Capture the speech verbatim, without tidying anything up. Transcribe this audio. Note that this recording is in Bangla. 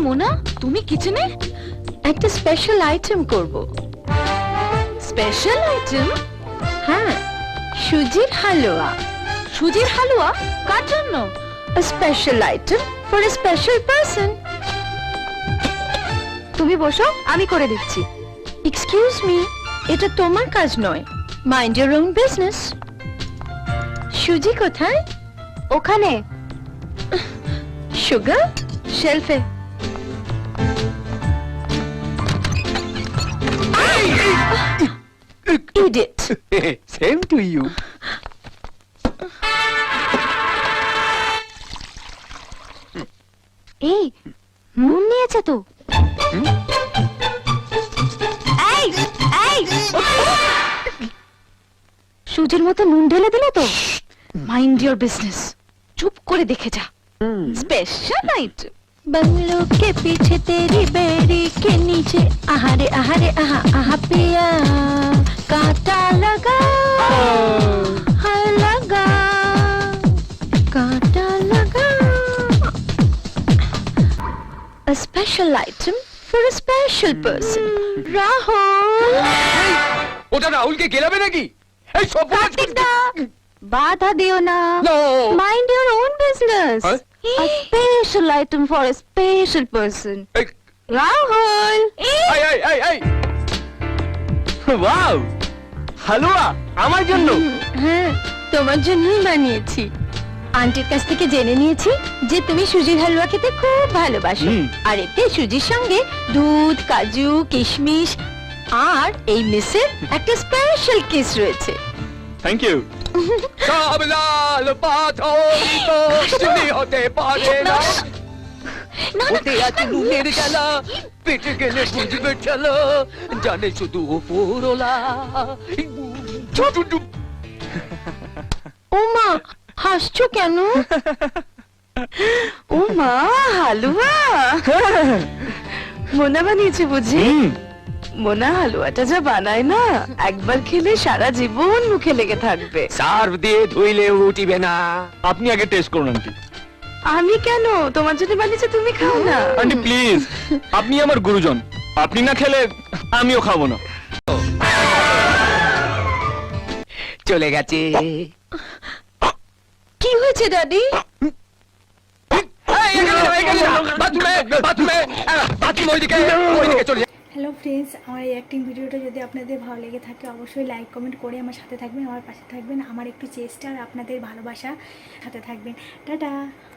মোনা, তুমি কিচেনে একটা স্পেশাল আইটেম করব। Special item? হ্যাঁ, সুজির হালুয়া। সুজির হালুয়া? কার জন্য? A special item for a special person. তুমি বসো, আমি করে দিচ্ছি। Excuse me, এটা তোমার কাজ নয়। Mind your own business. সুজি কোথায়? ওখানে। সুগার? শেলফে। Idiot. Same to you. এই নুন নিয়েছে তো। এই এই সুজির মতো নুন ঢেলে দিলে তো। Mind your business. চুপ করে দেখে যা। Special item. बंगलों के पीछे तेरी बेड़ी के नीचे आहारे आहारे आहा आहा पिया कांटा लगा हाय लगा कांटा लगा A special item for a special person. Rahul. ওটা রাহুলকে গেলাবে নাকি? এই সব কার্তিক দা, বাধা দিও না। No. Mind your own business. Huh? A special item for a special person. এই Rahul. এই এই এই এই ওয়াও, হালুয়া আমার জন্য। হ্যাঁ, তোমার জন্যই বানিয়েছি। আন্টির কাছ থেকে জেনে নিয়েছি যে তুমি সুজির হালুয়া খেতে খুব ভালোবাসো। হুম। আর এতে সুজির সঙ্গে দুধ, কাজু, কিশমিশ আর এই মিসের একটা স্পেশাল কিস রয়েছে। Thank you. সব লাল পাথরই তো চিনি হতে পারে না। ওতে আছে নুনের জ্বালা, পেটে গেলে বুঝবে চলো, জানে শুধু ওপরওয়ালা। ও মা, হাসছো কেন? ও মা, হালুয়া মোনা বানিয়েছে বুঝি? মোনা হালুয়াটা যা বানায় না, একবার খেলে সারা জীবন মুখে লেগে থাকবে। সার্ভ দিয়ে ধুইলে উঠিবে না। আপনি আগে টেস্ট করুন আন্টি। আমি কেন? তোমার জন্য বানিয়েছে, তুমি খাও না। আন্টি প্লিজ, আপনি আমার গুরুজন, আপনি না খেলে আমিও খাবো না। চলে গেছে। কি হয়েছে দাদি? হ্যালো ফ্রেন্ডস, আমার এই অ্যাক্টিং ভিডিওটা যদি আপনাদের ভালো লেগে থাকে অবশ্যই লাইক কমেন্ট করে আমার সাথে থাকবেন, আমার পাশে থাকবেন। আমার একটু চেষ্টা আর আপনাদের ভালোবাসা সাথে থাকবেন। টাটা।